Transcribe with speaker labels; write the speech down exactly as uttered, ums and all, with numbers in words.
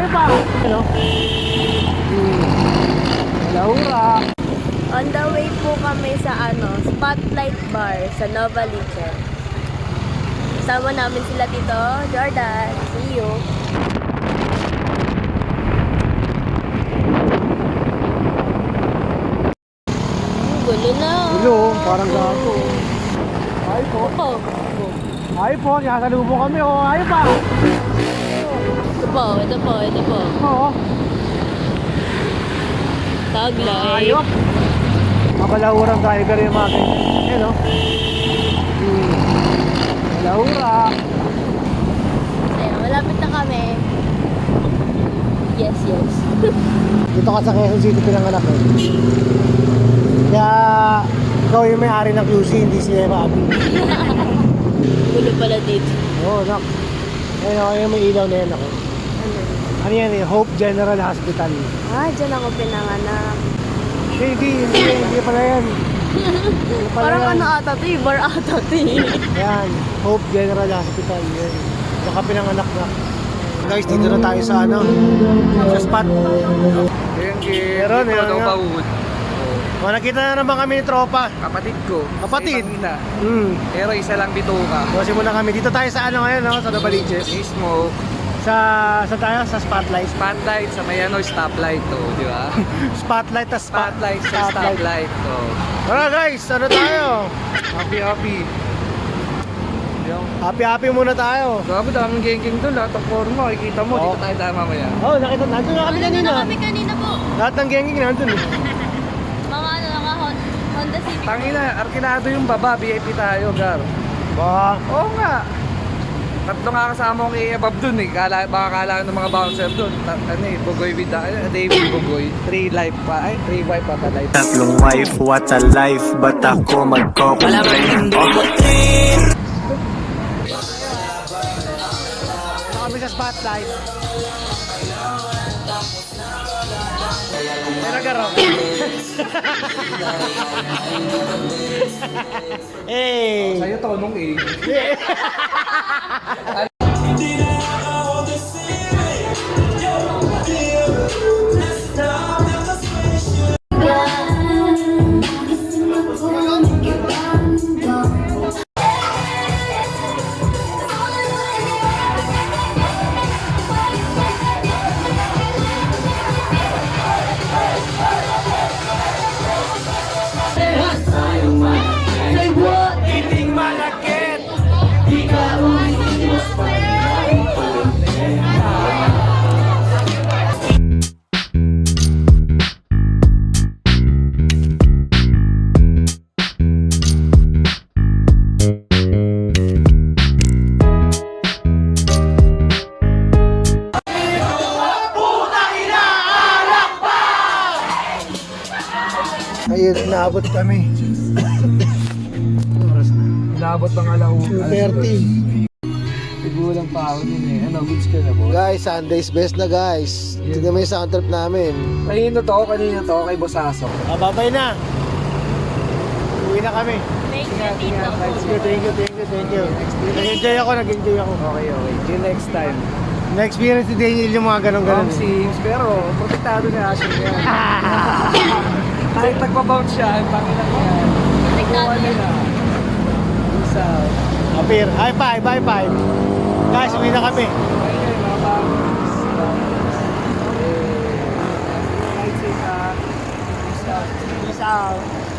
Speaker 1: pa! Ano? Hmm. Laura!
Speaker 2: On the way po kami sa ano, Spotlight Bar sa Nova Licen. Kasama namin sila dito, Jordan. See you. Oh, gulo na.
Speaker 1: Gulo, parang gago. Ay po.
Speaker 2: Opo.
Speaker 1: Ay po, sasalubong kami oh. Ay pa!
Speaker 2: Ito po, ito po, ito po.
Speaker 1: Oo.
Speaker 2: Taglay.
Speaker 1: Ayop! Mabalahurang tiger yung mga ganyan. Ayan o. Hmm. Balahura.
Speaker 2: Ayan, malapit na kami. Yes, yes.
Speaker 1: Dito ka sa Quezon City pinanganak eh. Kaya ikaw yung may-ari ng Q C, hindi si Eva Abi.
Speaker 2: Gulo pala dito.
Speaker 1: Oo, oh, nak. Ayun ako yung may ilaw na yan ako.
Speaker 2: Ano?
Speaker 1: Ano yan eh? Hope General Hospital.
Speaker 2: Ah, dyan ako pinanganak.
Speaker 1: Hindi, hindi, hindi, hindi pala yan. Hindi pala
Speaker 2: Parang
Speaker 1: yan.
Speaker 2: ano ata to eh, bar ata to eh.
Speaker 1: Yan, Hope General Hospital. Yan. Baka pinanganak na. Guys, dito na tayo sa ano, sa spot. Meron, meron nga. O, nakita na naman kami ni tropa.
Speaker 3: Kapatid ko.
Speaker 1: Kapatid?
Speaker 3: Sa ibang ina.
Speaker 1: Hmm.
Speaker 3: Pero isa lang bituka.
Speaker 1: Kasi muna kami. Dito tayo sa ano ngayon, no? Sa Novaliches.
Speaker 3: Mismo,
Speaker 1: Sa, sa tayo? Sa Spotlight.
Speaker 3: spotlight sa may ano, stoplight to, di ba?
Speaker 1: Spotlight, tas spot,
Speaker 3: Spotlight sa stoplight to.
Speaker 1: Tara guys, ano tayo?
Speaker 3: Happy, happy. Yung,
Speaker 1: Happy-happy muna tayo.
Speaker 3: grabe, daming gengking doon. Lahat ng forma, makikita mo.
Speaker 1: Oo.
Speaker 3: Dito tayo tayo mamaya.
Speaker 1: Oh, nakita, nandun na kami kanina.
Speaker 2: kanina po.
Speaker 1: Lahat ng genging nandun eh.
Speaker 2: Mga ano, mga Honda Civic.
Speaker 3: Tangina, arkinado yung baba, V I P tayo, gar.
Speaker 1: Ba,
Speaker 3: Oo nga. Tatlo nga kasama kong i-ebab dun eh. Kala, baka kala ng mga bouncer dun. Ta- ano eh, Bugoy with the, ano, David Bugoy. Three life pa, ay, three wife pa ta life.
Speaker 4: Tatlong wife, what a life. Ba't ako magkokomplain?
Speaker 1: ano kami sa Spotlight. Pero garo. Hey!
Speaker 3: Sa'yo tonong eh.
Speaker 1: Ayun, inaabot kami. Oras na.
Speaker 3: Inabot pang alaw.
Speaker 1: two thirty.
Speaker 3: Tigulang pa ako yun eh. Ano, beach ka na po?
Speaker 1: Guys, Sunday's best na guys. Tignan mo yung sound trip namin.
Speaker 3: Kanino to? Kanino to? Kay Bosaso.
Speaker 1: Ah, babay na. Uwi na kami.
Speaker 2: Thank you,
Speaker 3: Ingat, ingat.
Speaker 2: Tito.
Speaker 1: Thank you, thank you, thank you, thank you. Nag-enjoy ako, nag-enjoy ako.
Speaker 3: Okay, okay. See you next time.
Speaker 1: Na-experience ni Daniel yung mga ganong-ganon.
Speaker 3: Wrong seems, pero protektado ni Asher yan. Kahit nagpa-bounce siya, ang pangina ko yan.
Speaker 2: Protektado
Speaker 3: Ano
Speaker 2: yan.
Speaker 3: na? Peace out.
Speaker 1: Apir, high five, high five. Guys, uwi na kami.
Speaker 3: Okay, mga pangis. Okay. Night safe ha. Peace out.
Speaker 1: Peace out.